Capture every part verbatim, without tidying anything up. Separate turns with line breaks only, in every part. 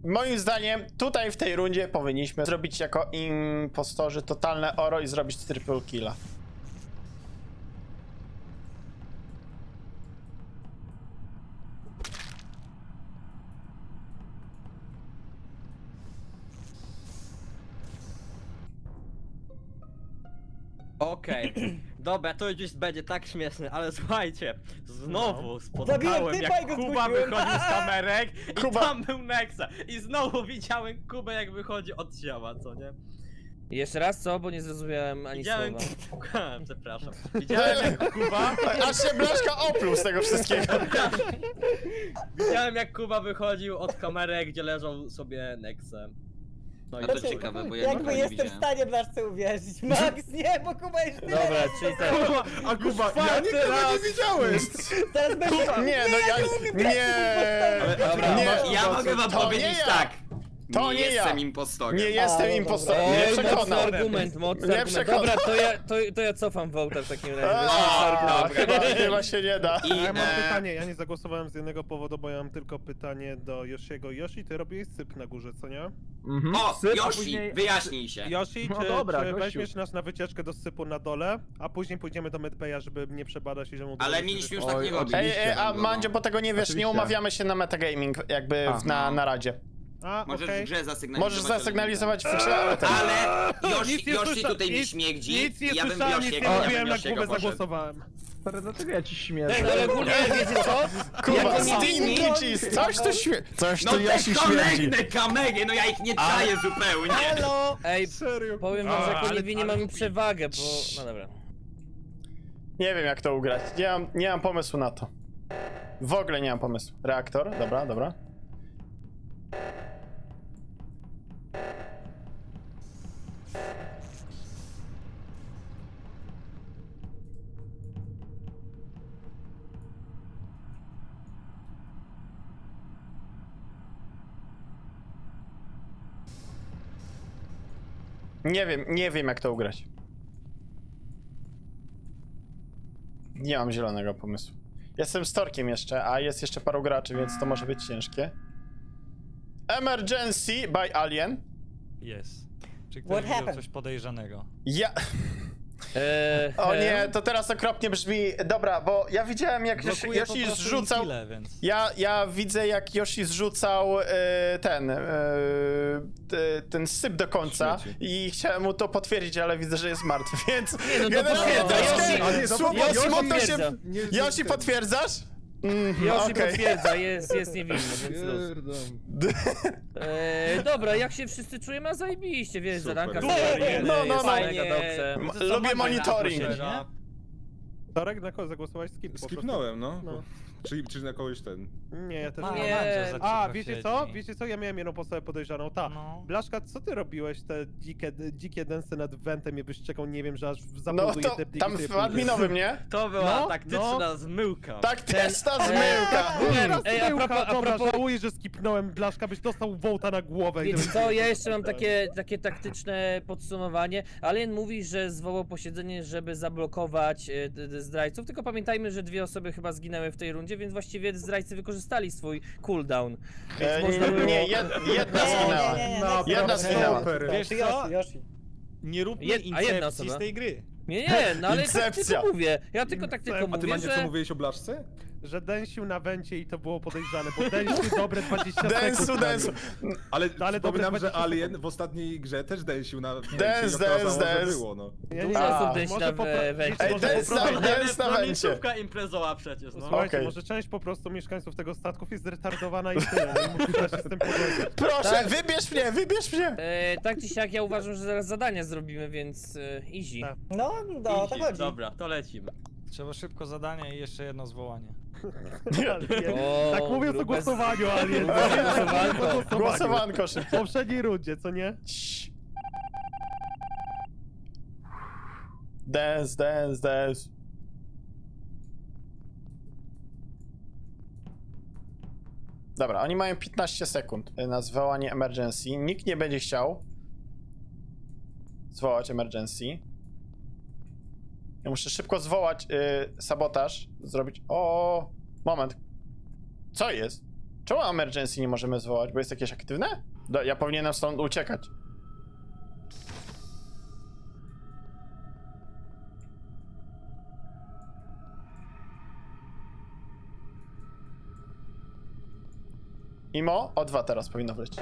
Moim zdaniem tutaj w tej rundzie powinniśmy zrobić jako impostorzy totalne oro i zrobić triple killa.
Okej, dobra, to już będzie tak śmieszne, ale słuchajcie, znowu
Zabiłem
spotkałem
typa i
jak
go
Kuba
zgłosiłem.
wychodził z kamerek i
Kuba.
tam był Nexa i znowu widziałem Kubę jak wychodzi od ciała, co nie?
Jeszcze raz co, bo nie zrozumiałem ani
Widziałem...
słowa.
Przepraszam. Widziałem jak Kuba...
Aż się Blaszka opluł z tego wszystkiego.
Widziałem jak Kuba wychodził od kamerek, gdzie leżał sobie Nexem. No i
A to
Znaczy,
ciekawe, bo ja
jakby
nikogo nie
jestem w
widziałem.
stanie Blaszce uwierzyć. Max, nie, bo Kuba jest tyle
Dobra,
razy
czyli
to
tak.
samo.
A Kuba, ja
czwarty
nikogo
raz.
nie widziałeś!
Teraz będzie...
Nie, no ja... Nie,
Dobra.
nie,
Ja mogę wam
to nie
powiedzieć
ja.
tak.
To nie ja.
jestem impostorem.
Nie jestem
A, no
impostorem,
dobra.
nie
Oj, mocny
przekonał.
argument, mocny
Nie
argument.
przekonał.
Dobra, to ja, to, to ja cofam wołta w takim razie.
A, chyba, chyba się nie da.
I
A ja mam
e,
pytanie, ja nie zagłosowałem z jednego powodu, bo ja mam tylko pytanie do Yoshiego. Yoshi, ty robiłeś syp na górze, co nie?
o,
Syp, a
Yoshi,
później-
wyjaśnij się.
Yoshi,
No
czy,
dobra,
czy
gościu.
weźmiesz nas na wycieczkę do sypu na dole, a później pójdziemy do medbaya, żeby mnie przebadać i że mu...
Ale
dołożyć
mieliśmy już
wycieczkę?
tak nie robić.
Ej, ej, a
no.
Mandzio, bo tego nie wiesz, nie
Oczywiście.
umawiamy się na metagaming jakby w, na,
no.
na radzie.
A,
Możesz
okej.
w grze zasygnalizować.
Możesz zasygnalizować w grze, ale ten...
Ale
Nic
Yoshi,
nie
Yoshi
słysza-
tutaj mi
nic-
śmierdzi.
Nic nie
ja bym
słyszałem, nic nie
Yoshiego, ja
mówiłem,
bym
na
Yoshiego
głowę
poszedł.
zagłosowałem.
Stary, dlaczego ja ci śmierzę?
Tak, ale ogólnie wiecie co?
Kuba,
Jako nie-
Stinky Cheese, coś tu śmie... Coś
No
tu
te
Yoshi śmierdzi.
kolejne kamery, no ja ich nie czaję zupełnie.
Halo!
Ej,
Serio?
powiem wam, że jako
ale-
niewinni
ale-
mamy przewagę, bo... No dobra.
Nie wiem jak to ugrać, nie mam, nie mam pomysłu na to. W ogóle nie mam pomysłu. Reaktor, dobra, dobra. Nie wiem, nie wiem jak to ugrać. Nie mam zielonego pomysłu. Jestem storkiem jeszcze, a jest jeszcze paru graczy, więc to może być ciężkie. Emergency by Alien.
Jest. Czy
What
ktoś widział
happened?
coś podejrzanego?
Ja...
Eee,
O
em,
nie, to teraz okropnie brzmi. Dobra, bo ja widziałem jak Yoshi,
Blokuje po
Yoshi
prostu
zrzucał...
Inkile, więc...
Ja, ja widzę jak Yoshi zrzucał e, ten... E, te- ten syp do końca i chciałem mu to potwierdzić, ale widzę, że jest martwy, więc...
Nie, no to
generalnie
potwierdza,
troszkę-
Yoshi-
A nie,
Słowo
Yoshi
smutno
potwierdza.
się... Yoshi potwierdzasz? Mm,
Yoshi
okej.
potwierdza, jest, jest niewinny, więc luz. Eee, dobra, jak się wszyscy czujemy? A zajebiście, wiesz,
Super.
zadanka
No,
super,
no, no,
jest
no.
mega dobrze.
M-
Co,
Lubię
Mandzio
monitoring.
zaprosiłeś,
Torek, na kogo zagłosowałeś? Skip po prostu.
Skipnąłem, no.
No.
Czy, czy na kogoś ten.
Nie, ja też
Ma-
nie.
Nie.
Mandzio za
A,
cicho
wiecie co?
siedzi.
Wiecie co? Ja miałem jedną postawię podejrzaną. Ta.
No.
Blaszka, co ty robiłeś te dzikie, dzikie densy nad wentem i byś czekał, nie wiem, że aż
No
zabluduje
to
te pliki
tam
sobie
w
pójdzie.
adminowym, nie?
To była
No,
taktyczna
no.
zmyłka.
Taktyczna
Ten-
zmyłka!
Teraz
Ej, a
tyłka,
propos- a
dobra,
propos-
żałuję, że skipnąłem Blaszka, byś dostał wołta na głowę. i
Wiecie
to-
co, ja jeszcze mam takie, takie taktyczne podsumowanie. Alien mówi, że zwołał posiedzenie, żeby zablokować e, d- d- zdrajców, tylko pamiętajmy, że dwie osoby chyba zginęły w tej rundzie, więc właściwie zdrajcy wykorzystali swój cooldown. Więc
E,
można było...
nie, jed, jedna
Nie,
zginęła.
nie, nie, nie,
No,
nie,
jedna
nie,
zginęła.
nie,
Wiesz
to
co?
Yoshi, Yoshi.
Nie róbmy
Jed- a jedna
incepcji
osoba?
z tej gry.
Nie, nie, no ale tak
Incepcja.
tylko mówię. Ja tylko tak tylko
A ty,
A ty,
mówię,
Mandzie, co
że...
mówiłeś o blaszce?
Że densił na wencie i to było podejrzane, bo densił dobre dwadzieścia sekund.
Densu, densu.
Ale,
No, ale dobre
przypominam, że
dwadzieścia
Alien
sekund.
w ostatniej grze też densił na wencie
Dance,
i okazało,
dance,
że
dance.
było, no.
Ja
Dużo
A,
osób densi
może
na
popra-
wencie.
Ej,
może
dance na,
poprawić-
dance na wencie.
miejscówka imprezowa przecież, no.
Słuchajcie,
Okej.
może część po prostu mieszkańców tego statków jest zretardowana i tyle. No i musisz się z tym pogodzić.
Proszę,
Tak.
wybierz mnie, wybierz mnie!
E, tak czy siak ja uważam, że zaraz zadania zrobimy, więc e, easy.
Tak.
No, no, o to
Easy.
chodzi.
Dobra, to lecimy.
Trzeba szybko zadanie i jeszcze jedno zwołanie.
O,
Tak mówiąc o
grube-
głosowaniu, Alien.
grube
Tak
głosowanko.
mówiąc o głosowaniu.
Głosowanko
W
szybko.
poprzedniej rundzie, co nie?
Cii. Dance, dance, dance. Dobra, oni mają piętnaście sekund na zwołanie emergency. Nikt nie będzie chciał zwołać emergency. Ja muszę szybko zwołać y, sabotaż, zrobić... O, moment. Co jest? Czemu emergency nie możemy zwołać? Bo jest jakieś aktywne? Do, ja powinienem stąd uciekać. Imo? O dwa teraz powinno wlecieć.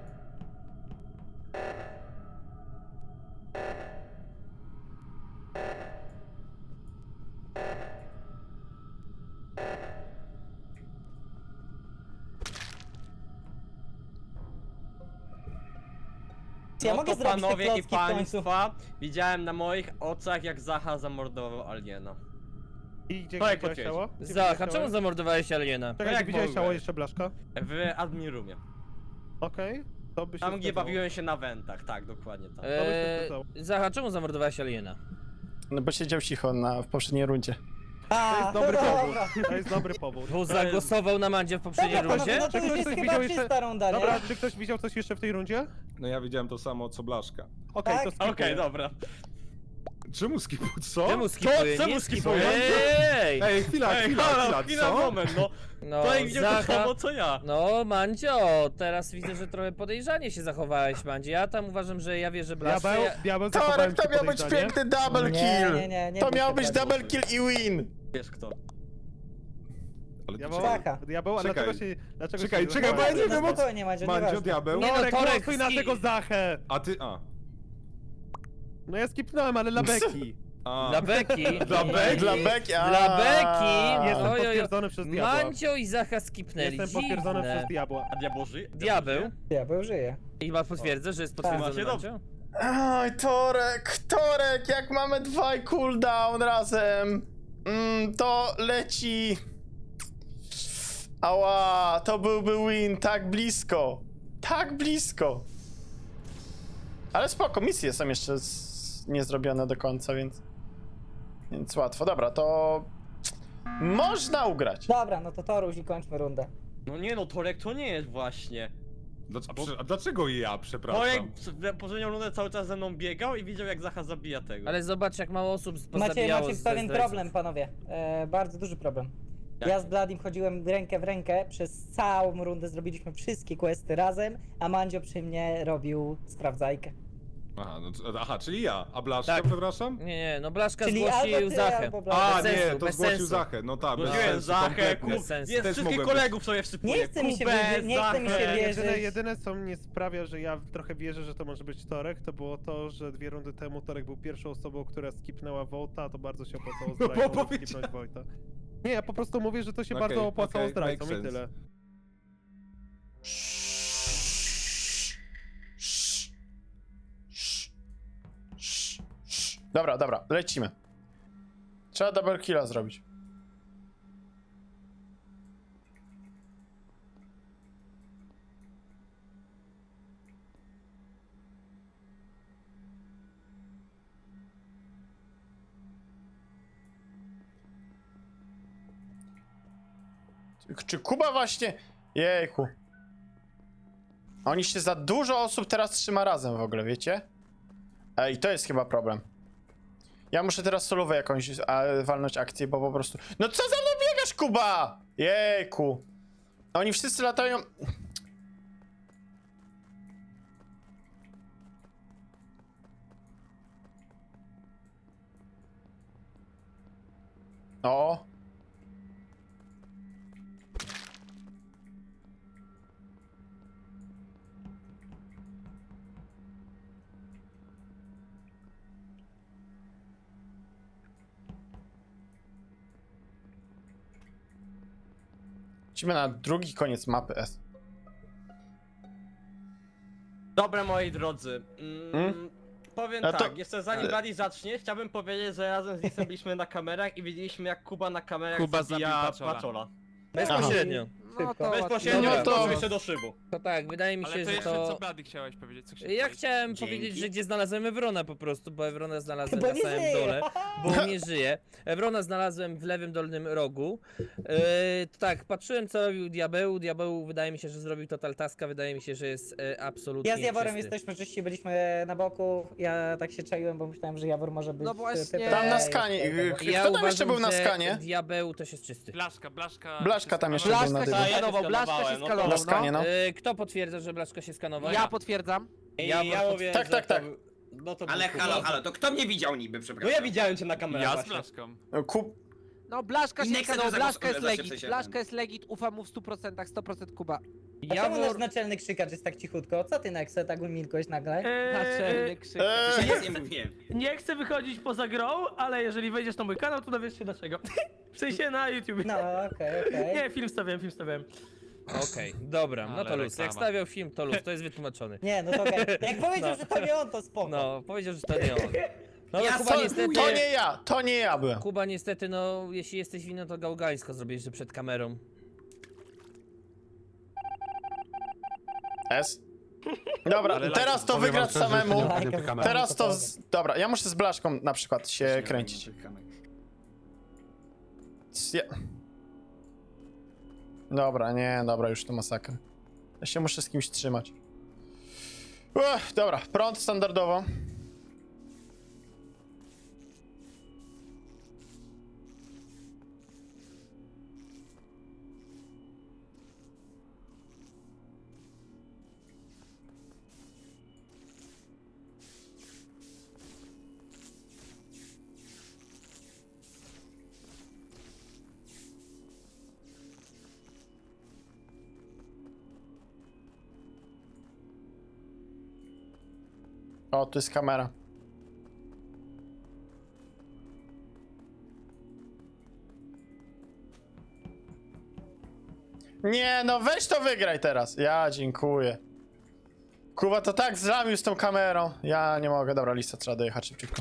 Ja
No
mogę
to
zrobić te
panowie
klocki
i
w końcu.
państwa, widziałem na moich oczach, jak Zacha zamordował aliena.
I gdzie
To jak
widziałeś ciało?
potwierdzi.
Gdzie
Zacha,
widziałeś
czemu
ciało?
zamordowałeś aliena?
Czekaj,
jak
gdzie widziałeś
mogłeś?
ciało jeszcze Blaszka?
W admin roomie.
Okej, to by się
Tam, gdzie
zgadzało.
bawiłem się na wentach, tak, dokładnie tam.
by się
Eee,
zgadzało.
Zacha, czemu zamordowałeś aliena?
No bo siedział cicho na, w poprzedniej rundzie.
To
A,
jest dobry
dobra.
powód. To jest dobry powód.
Bo zagłosował na Mandzie w poprzedniej
Dobra,
rundzie?
no to
Czy
już
ktoś
jest
coś
chyba
widział jeszcze-
czysta runda, nie?
Dobra, czy ktoś widział coś jeszcze w tej rundzie?
No ja widziałem to samo co Blaszka.
Okej,
Tak?
to skipuję.
Okej, dobra.
Czemu skipu, co?
Czemu skipuje?
czemu
Nie
skipuje?
Ej!
Ej, chwila,
Ej,
chwila,
halo,
chwila,
chwila,
co?
moment, no.
No,
To jak widział to
Zacha...
samo, co ja.
No, Mandzio, teraz widzę, że trochę podejrzanie się zachowałeś, Mandzie. Ja tam uważam, że ja wierzę Blaszce.
Diabeł,
Ja...
diabeł zachowałem
Torek, to
ci
miał być
podejrzanie.
piękny double
Nie,
kill!
nie, nie, nie
to
bój
miał
się
być
tak.
double kill i win!
Wiesz kto.
Ale
Diabeł,
to
Zacha.
diabeł, a
Czekaj.
dlaczego się... Dlaczego
Czekaj,
się
czekaj, bo ja nie
zachowałeś?
wiem,
No
o co-
spokojnie, Mandzio,
Mandzio,
nieważne.
diabeł.
Nie no,
Torek,
Torek,
głosuj na
ski-
tego Zachę!
A ty, a.
No ja skipnąłem, ale dla Beki.
a.
Dla Beki.
Dla Beki?
Dla Beki, a.
Dla Beki.
Jestem
Oj, oj, oj.
potwierdzony przez diabła.
Mandzio i Zacha skipnęli.
Jestem potwierdzony
Dziwne.
przez diabła.
A diabeł żyje?
Diabeł.
Diabeł żyje.
I ma potwierdzę, że jest
Tak.
potwierdzony
Macie
Mandzio?
Oj, Torek, Torek, jak mamy dwa cooldown razem, mm, to leci. Ała, to byłby win, tak blisko. Tak blisko. Ale spoko, misje są jeszcze z... niezrobione do końca, więc... Więc łatwo. Dobra, to... Można ugrać.
Dobra, no to Toruś i kończmy rundę.
No nie no, Torek to nie jest właśnie.
Dlac- A dlaczego ja,
Torek
przepraszam?
w poprzednią rundę cały czas ze mną biegał i widział jak Zacha zabija tego.
Ale zobacz, jak mało osób
Macie,
pozabijało
macie
z
pewien
zdrajców.
problem, panowie. E, bardzo duży problem.
Jak?
Ja z Bladim chodziłem rękę w rękę, przez całą rundę zrobiliśmy wszystkie questy razem, a Mandzio przy mnie robił sprawdzajkę.
Aha, no, c- aha, czyli ja. A Blaszka,
Tak.
przepraszam?
Nie, nie, no Blaszka
Czyli
zgłosił
albo ty,
Zachę.
albo Blady.
A,
Bez
nie,
sensu,
to
bez
zgłosił
sensu.
Zachę, no tak, bez
Zgłosiłem
sensu,
Zachę,
kompletnie.
kub,
sensu.
jest
Też
wszystkich
mogłem
kolegów sobie wsypuję.
Nie chce mi się
Kubę,
wierzyć, nie chce mi się
Zachę.
wierzyć.
Jedyne, jedyne co mnie sprawia, że ja trochę wierzę, że to może być Torek, to było to, że dwie rundy temu Torek był pierwszą osobą, która skipnęła Volta, a to bardzo się opłacało
No,
zdrajcom,
bo
żeby
powiedziałem.
skipnąć Volta. Nie, ja po prostu mówię, że to się
Okej,
bardzo opłacało
okej,
zdrajcom
makes
i
sense.
tyle.
Dobra, dobra, lecimy. Trzeba double killa zrobić. Czy- Czy Kuba właśnie... Jejku. Oni się za dużo osób teraz trzyma razem w ogóle, wiecie? Ej, to jest chyba problem. Ja muszę teraz solowę jakąś a, walnąć akcję, bo po prostu... No co za mną biegasz, Kuba? Jejku. Oni wszyscy latają... O. Lecimy na drugi koniec mapy S.
Dobra, moi drodzy. Mm,
Hmm?
Powiem
No to-
tak, jeszcze zanim Blady zacznie, chciałbym powiedzieć, że razem z Lisem byliśmy na kamerach i widzieliśmy jak Kuba na kamerach
Kuba
zabija
zabił Paczola.
Paczola.
Bezpośrednio.
Szybko.
Bezpośrednio
No
no
to-
to... jeszcze do szybu.
To tak, wydaje mi się,
Ale to
że
jeszcze
to...
co Blady chciałeś powiedzieć? Co
Ja chciałem
Dzięki.
powiedzieć, że gdzie znalazłem Evrona po prostu, bo Evrona znalazłem
Bo
na
nie
samym
żyje.
dole, bo nie żyje. Evrona znalazłem w lewym dolnym rogu. Yy, tak, patrzyłem co robił Diabeł. Diabeł wydaje mi się, że zrobił total taska, wydaje mi się, że jest e, absolutnie
Ja z Jaworem
czysty.
jesteśmy czyści, byliśmy na boku. Ja tak się czaiłem, bo myślałem, że Jawor może być.
No właśnie.
typem-
Tam na skanie.
Ej,
Kto
Ja
tam
uważam,
jeszcze był na
że
skanie?
Diabeł też jest czysty.
Blaszka, Blaszka...
Blaszka tam jeszcze
Blaszka
był na
się ja się
skanował, Blaszka się
skanowałem, no to-
skanował,
Na skanie, no.
Y, kto potwierdza, że Blaszka się skanował?
Ja potwierdzam.
I
Ja
ja,
po-
mówię,
tak,
że
tak,
to
tak.
był- No to był
Ale
Kuba.
halo, halo, to kto mnie widział niby,
No
przepraszam?
ja widziałem cię na kamerze
Ja z
właśnie.
Blaszką.
Kup...
No, Blaszka
I
się
Nexen
skanował,
to
Blaszka jest
zagłos- zawsze w
legit,
sensie
Blaszka
ten.
jest legit, ufam mu w stu procentach, sto procent Kuba.
A czemu nasz
Jawor...
naczelny krzykacz jest tak cichutko? Co ty, Nexe, tak umilkłeś nagle?
Naczelny krzyk.
Eee,
Ja nic nie mówiłem.
Nie chcę wychodzić poza grą, ale jeżeli wejdziesz na mój kanał, to dowiesz się dlaczego. W sensie na YouTube.
No, okej, okej.
Nie, film stawiałem, film stawiałem.
Okej, dobra, no
Ale
to luz. Jak
reklama.
stawiał film, to luz, to jest wytłumaczony.
Nie, no to okej. Jak powiedział,
No.
że to nie on, to spoko.
No, powiedział, że to nie on. No ale
Ja
Kuba
sąduję.
niestety...
to nie ja, to nie ja byłem.
Kuba niestety, no, jeśli jesteś winny, to gałgańsko zrobiłeś, że przed kamerą.
S. Dobra,
Ale
teraz
like,
to
powiem
wygrać
wam szczerze, że
samemu.
nie ogarniam tej kamery.
Teraz to... Z... Dobra, ja muszę z Blaszką na przykład się kręcić. Ja... Dobra, nie, dobra, już to masakra. Ja się muszę z kimś trzymać. Uch, dobra, prąd standardowo. O, tu jest kamera. Nie, no weź to wygraj teraz. Ja dziękuję. Kuba to tak zlamił z tą kamerą. Ja nie mogę. Dobra, lista, trzeba dojechać szybciutko.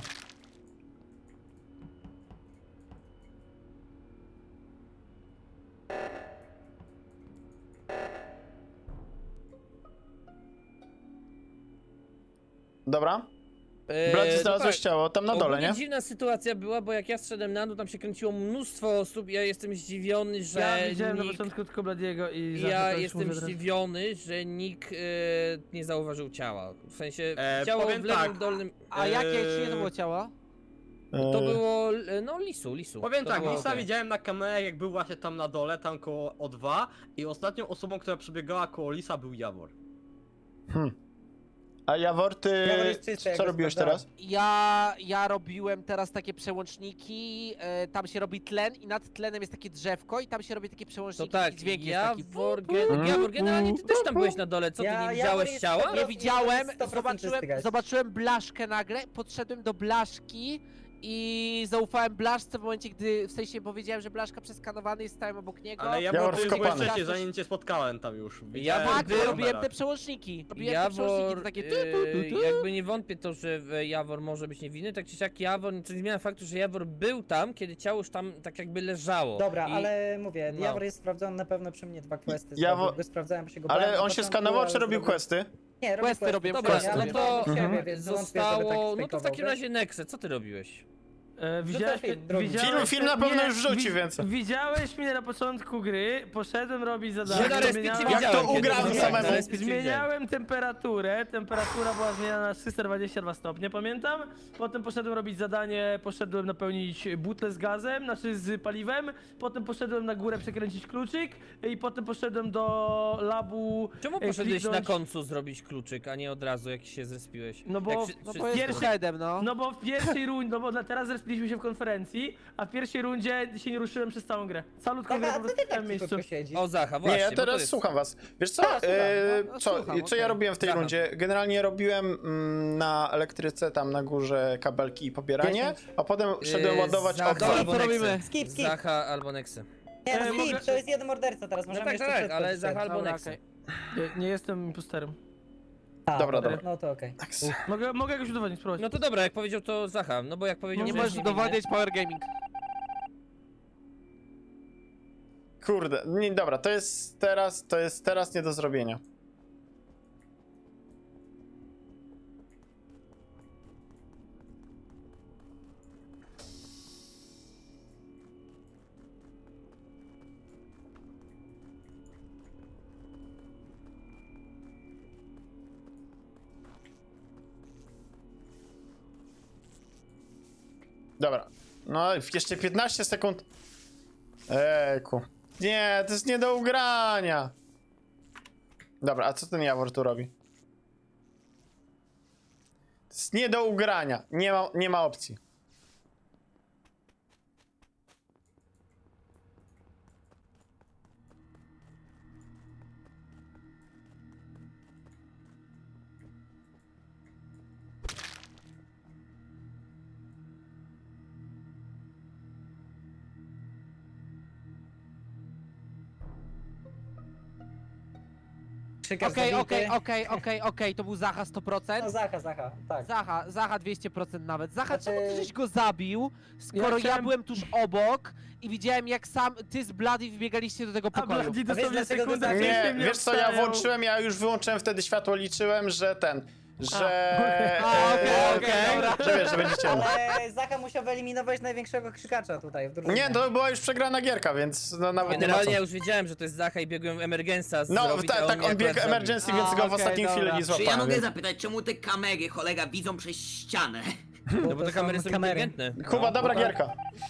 Dobra.
Eee,
Blady
no
znalazłeś
tak.
ciało, tam na dole,
Ogólnie
nie?
dziwna sytuacja była, bo jak ja zszedłem na dół, tam się kręciło mnóstwo osób. Ja jestem zdziwiony, że
Ja widziałem na
nikt...
początku tylko Bladiego i za to
Ja
już
jestem
mówię teraz.
zdziwiony, że nikt e, nie zauważył ciała. W sensie
E,
ciało
powiem
w lewym
tak.
dolnym.
A jakie,
Eee,
czyje to było ciało?
To
Eee,
było. e, No lisu, lisu.
Powiem
to
tak,
było
Lisa
okej.
widziałem na kamerach, jak był właśnie tam na dole, tam koło O dwa i ostatnią osobą, która przebiegała koło Lisa, był Jawor.
Hmm. A Jawor, ty
Jawor jest czysty, jak
co
go
robiłeś
sprawdzałem.
teraz?
Ja, ja robiłem teraz takie przełączniki, e, tam się robi tlen i nad tlenem jest takie drzewko i tam się robi takie
To
przełączniki,
tak,
taki dźwięk jest taki.
Jawor, gen, Jawor, generalnie ty też tam byłeś na dole, co ty
Ja-
nie
Jawor
widziałeś
jest
ciała?
sto-
Nie widziałem,
sto procent
zobaczyłem,
czysty, guys.
zobaczyłem Blaszkę nagle, podszedłem do Blaszki i zaufałem Blaszce w momencie, gdy w sensie powiedziałem, że Blaszka przeskanowany jest, stałem obok niego.
Ale
Jawor
Jawor, ty już byłeś
wkopany.
wcześniej, zanim cię spotkałem tam już.
Ja
Widziałem
Tak,
na
bo robiłem
kamerach.
te przełączniki. Robiłem te przełączniki,
Jawor,
to takie tu,
e,
tu, tu, tu.
jakby nie wątpię to, że e, Jawor może być niewinny, tak czy siak Jawor, co nie zmienia faktu, że Jawor był tam, kiedy ciało już tam tak jakby leżało.
Dobra,
I...
ale mówię,
no.
Jawor jest sprawdzony na pewno przy mnie dwa questy.
Jawor-
Jawor... Go sprawdzałem, bo się go bałem
Ale
na
on się
początku,
skanował,
ale
czy robił
zrobił-
questy?
Nie, robił
Questy
questy,
robię,
spokojnie,
Dobra,
ale
no
to
to
siebie,
Mhm.
więc wątpię, żeby tak
zostało, no to w
fejkował,
takim
wiesz?
razie Nexe, co ty robiłeś?
E, widziałeś,
film, drugi.
Film, film na pewno
nie,
już wrzuci,
wi-
więc...
Widziałeś mnie na początku gry, poszedłem robić zadanie.
Że na respie cię
zmieniałem-
Jak
widziałem
to
kiedy
ugrałem
zrobiłeś,
samemu?
na respie cię widziałem.
Zmieniałem temperaturę, temperatura była zmieniana na trzysta dwadzieścia dwa stopnie, pamiętam. Potem poszedłem robić zadanie, poszedłem napełnić butlę z gazem, znaczy z paliwem. Potem poszedłem na górę przekręcić kluczyk i potem poszedłem do labu.
Czemu
e,
poszedłeś na
kliknąć-
końcu zrobić kluczyk, a nie od razu jak się zrespiłeś?
No bo-
Jak wszy-
No
wszyscy-
bo jest
Pierwszy-
headem, no.
No bo w pierwszej rundzie, no bo na- teraz zrespiliśmy się w konferencji, a w pierwszej rundzie się nie ruszyłem przez całą grę. Calutką grę
Taka,
po
a co
prostu
ty
w tym
tak
miejscu.
cichutko siedzisz?
O Zacha, właśnie.
Nie, ja
bo to
teraz
jest...
słucham was. Wiesz co,
A, słucham,
e,
no,
co,
słucham,
co ja
okej.
robiłem w tej
Zacha.
rundzie? Generalnie robiłem mm, na elektryce tam na górze kabelki i pobieranie,
dziesięć.
a potem szedłem
Yy,
ładować
Zacha
okno.
albo
Co
Nexe.
robimy?
Skip, skip.
Zacha albo Nexe.
Nie,
E,
skip,
mogę-
to jest jeden morderca teraz,
No
możemy
tak,
jeszcze
tak,
przetrwać
ale
jeszcze.
Zacha albo
Dobra,
Nexe.
okej.
Nie, nie jestem imposterem.
A,
Dobra, dobra.
No to okej.
Tak.
Mogę, mogę jakoś udowodnić, spróbować.
No to dobra, jak powiedział to Zacha, no bo jak powiedział,
Nie
że
możesz
jest niewinny-
udowadniać Power Gaming.
Kurde, nie, dobra, to jest teraz, to jest teraz nie do zrobienia. Dobra, no jeszcze piętnaście sekund. Ejku. nie, to jest nie do ugrania. Dobra, a co ten Jawor tu robi? To jest nie do ugrania. Nie ma, nie ma opcji.
Krzykarz
Okej,
zabity.
okej, okej, okej, okej, to był Zacha sto procent.
No Zacha, Zacha, tak.
Zacha, Zacha dwieście procent nawet. Zacha,
Znaczy-
czemu ty żeś go zabił, skoro ja,
chciałem-
byłem tuż obok i widziałem jak sam ty z Bloody wbiegaliście do tego
A
pokoju.
Bloody
A wiesz,
dosłownie
dlaczego
sekundę
tak-
wcześniej
Nie,
mnie
wiesz co, ja
obstawiał.
włączyłem, ja już wyłączyłem wtedy światło, liczyłem, że ten, że...
A, okej,
e,
okej, dobra.
Że wiesz, że będzie ciemno.
Ale Zacha musiał wyeliminować największego krzykacza tutaj w drużynie.
Nie, to była już przegrana gierka, więc no nawet nie ma
Generalnie
co.
ja już wiedziałem, że to jest Zacha i biegłem emergensa
No,
zrobić,
tak,
a
tak,
mnie
on biegł
akurat zabił.
emergency, więc
A,
go w
okej,
ostatniej chwili
dobra.
nie
Czy ja
złapałem.
mogę
Więc...
zapytać, czemu te kamery, kolega, widzą przez ścianę?
No bo te
są
kamery są
kamery.
inteligentne.
Kuba,
No.
dobra gierka.